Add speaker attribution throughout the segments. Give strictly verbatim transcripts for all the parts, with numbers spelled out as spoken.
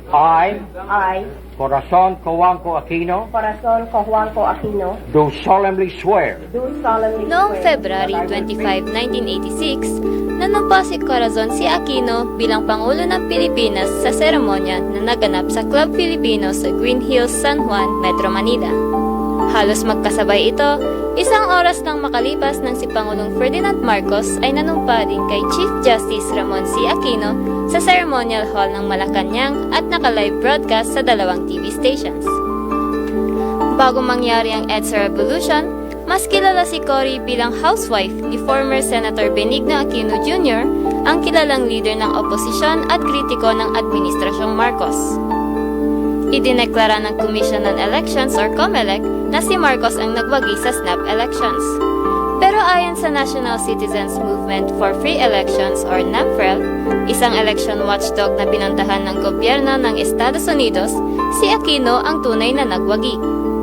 Speaker 1: I,
Speaker 2: I,
Speaker 1: Corazon Cojuangco Aquino,
Speaker 2: Corazon Cojuangco Aquino,
Speaker 1: do solemnly swear
Speaker 2: do solemnly
Speaker 3: Noong
Speaker 2: swear
Speaker 3: February
Speaker 2: that I will
Speaker 3: twenty-five, nineteen eighty-six, nanumpa si Corazon C. Aquino bilang Pangulo ng Pilipinas sa seremonya na naganap sa Club Filipino sa Green Hills, San Juan, Metro Manila. Halos magkasabay ito, isang oras nang makalipas ng si Pangulong Ferdinand Marcos ay nanumpa din kay Chief Justice Ramon C. Aquino sa Ceremonial Hall ng Malacanang at naka-live broadcast sa dalawang T V stations. Bago mangyari ang EDSA Revolution, mas kilala si Cory bilang housewife ni former Senator Benigno Aquino Junior, ang kilalang leader ng oposisyon at kritiko ng Administrasyong Marcos. Idineklara ng Commission on Elections or COMELEC na si Marcos ang nagwagi sa snap elections. Pero ayon sa National Citizens Movement for Free Elections or NAMFREL, isang election watchdog na pinuntahan ng gobyerno ng Estados Unidos, si Aquino ang tunay na nagwagi.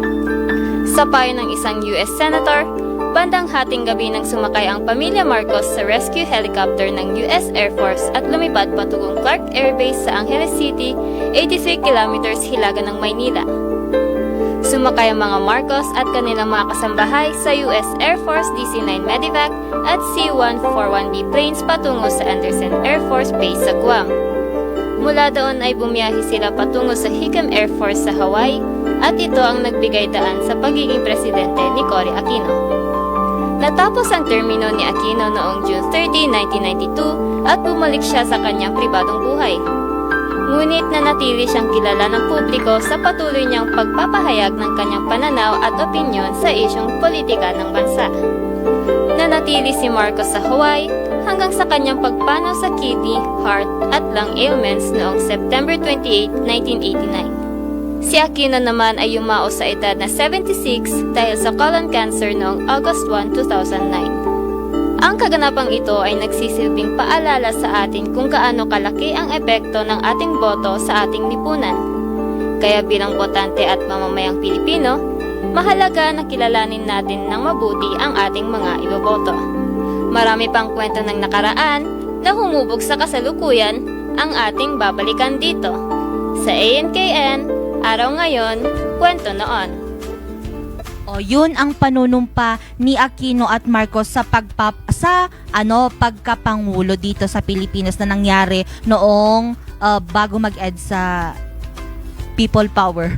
Speaker 3: Sa payo ng isang U S Senator, bandang hating gabi nang sumakay ang pamilya Marcos sa rescue helicopter ng U S Air Force at lumipad patungong Clark Air Base sa Angeles City, eighty-three kilometers hilaga ng Maynila. Sumakay ang mga Marcos at kanilang mga kasambahay sa U S Air Force D C nine Medevac at C one forty-one B planes patungo sa Andersen Air Force Base sa Guam. Mula doon ay bumiyahe sila patungo sa Hickam Air Force sa Hawaii at ito ang nagbigay daan sa pagiging presidente ni Cory Aquino. Natapos ang termino ni Aquino noong June thirtieth, nineteen ninety-two at bumalik siya sa kanyang pribadong buhay. Ngunit nanatili siyang kilala ng publiko sa patuloy niyang pagpapahayag ng kanyang pananaw at opinyon sa isyong politika ng bansa. Nanatili si Marcos sa Hawaii hanggang sa kanyang pagpanaw sa kidney, heart at lung ailments noong September twenty-eighth, nineteen eighty-nine. Si Aquino naman ay yumao sa edad na seventy-six dahil sa colon cancer noong August first, two thousand nine. Ang kaganapang ito ay nagsisilbing paalala sa atin kung gaano kalaki ang epekto ng ating boto sa ating lipunan. Kaya bilang botante at mamamayang Pilipino, mahalaga na kilalanin natin ng mabuti ang ating mga iboboto. Marami pang kwento ng nakaraan na humubog sa kasalukuyan ang ating babalikan dito. Sa A N K N, Araw Ngayon, Kwento Noon.
Speaker 4: O yun ang panunumpa ni Aquino at Marcos sa pagpap sa ano pagkapangulo dito sa Pilipinas na nangyari noong uh, bago mag-ed sa People Power.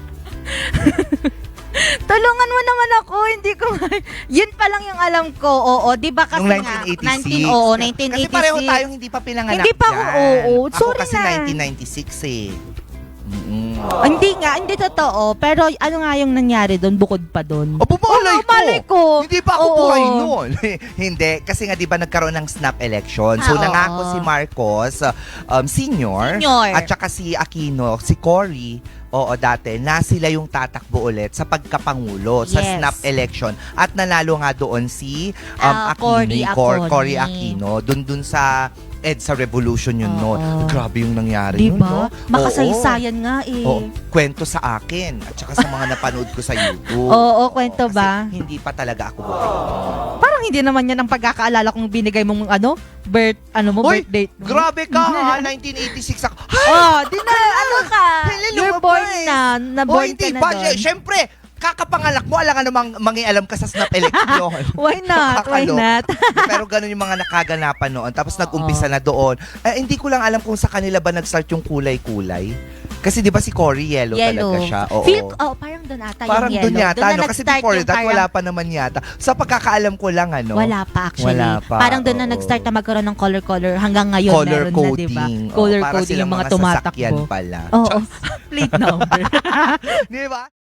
Speaker 4: Tulungan mo naman ako, hindi ko yun pa lang yung alam ko. Oo, 'di ba kasi
Speaker 5: Yung
Speaker 4: nga
Speaker 5: nineteen eighty-six.
Speaker 4: nineteen oo, nineteen eighty-six.
Speaker 5: Kasi pareho tayong hindi pa pinanganak.
Speaker 4: Hindi pa ako,
Speaker 5: dyan.
Speaker 4: oo. Sorry
Speaker 5: ako kasi
Speaker 4: na.
Speaker 5: nineteen ninety-six eh. Mm-mm.
Speaker 4: Oh, hindi nga, hindi totoo. Pero ano nga yung nangyari doon bukod pa doon?
Speaker 5: O, bumalay
Speaker 4: Oo, malay ko.
Speaker 5: Hindi pa ako
Speaker 4: Oo.
Speaker 5: buhay noon. Hindi. Kasi nga, di ba, nagkaroon ng snap election. So,
Speaker 4: Ah,
Speaker 5: nangako
Speaker 4: oo.
Speaker 5: si Marcos, um, senior,
Speaker 4: Senior.
Speaker 5: at saka si Aquino, si Cory, oo, dati, na sila yung tatakbo ulit sa pagkapangulo sa
Speaker 4: Yes.
Speaker 5: snap election. At nanalo nga doon si um,
Speaker 4: Ah, Cory
Speaker 5: Aquino, Cor-
Speaker 4: Aquino.
Speaker 5: Cory Aquino. Doon dun sa EDSA Revolution yun
Speaker 4: Oo.
Speaker 5: noon. Grabe yung nangyari
Speaker 4: Di
Speaker 5: nun,
Speaker 4: ba?
Speaker 5: no?
Speaker 4: Makasaysayan nga eh.
Speaker 5: Oo. Kwento sa akin at saka sa mga napanood ko sa YouTube.
Speaker 4: Oo, kwento
Speaker 5: Kasi
Speaker 4: ba?
Speaker 5: hindi pa talaga ako buhay.
Speaker 4: Parang hindi naman yan ang pagkakaalala kong binigay mong ano, birth, ano mo,
Speaker 5: Hoy,
Speaker 4: birth date. mo.
Speaker 5: Grabe ka ha, nineteen eighty-six ako. Ay,
Speaker 4: Oh, di na, ano ka?
Speaker 5: Hello,
Speaker 4: You're
Speaker 5: lumabas.
Speaker 4: born na,
Speaker 5: oh,
Speaker 4: na-born
Speaker 5: hindi
Speaker 4: ka na
Speaker 5: ba?
Speaker 4: doon.
Speaker 5: Siyempre, kakapangalak mo, alam nga namang mangialam ka sa snap election.
Speaker 4: Why not? Why
Speaker 5: Kakalo.
Speaker 4: not?
Speaker 5: Pero ganun yung mga nakaganapan noon. Tapos
Speaker 4: Oo.
Speaker 5: nag-umpisa na doon. Eh, hindi ko lang alam kung sa kanila ba nag-start yung kulay-kulay. Kasi di ba si Cory, yellow,
Speaker 4: Yellow.
Speaker 5: talaga siya. Oo.
Speaker 4: Feel, oh, parang doon ata
Speaker 5: Parang
Speaker 4: yung
Speaker 5: doon
Speaker 4: yellow.
Speaker 5: yata,
Speaker 4: Doon na
Speaker 5: no? Kasi
Speaker 4: nag-start
Speaker 5: before
Speaker 4: yung
Speaker 5: that,
Speaker 4: parang-
Speaker 5: wala pa naman yata. Sa pagkakaalam ko lang, ano?
Speaker 4: Wala pa actually.
Speaker 5: Wala pa,
Speaker 4: Parang doon na
Speaker 5: oo.
Speaker 4: nag-start na magkaroon ng color-color. Hanggang ngayon
Speaker 5: Color
Speaker 4: meron
Speaker 5: coding.
Speaker 4: na, diba?
Speaker 5: Oo,
Speaker 4: Color
Speaker 5: para
Speaker 4: coding
Speaker 5: silang
Speaker 4: yung mga
Speaker 5: sasakyan
Speaker 4: tumatakbo.
Speaker 5: pala.
Speaker 4: Oo. Plate number.
Speaker 5: Di ba?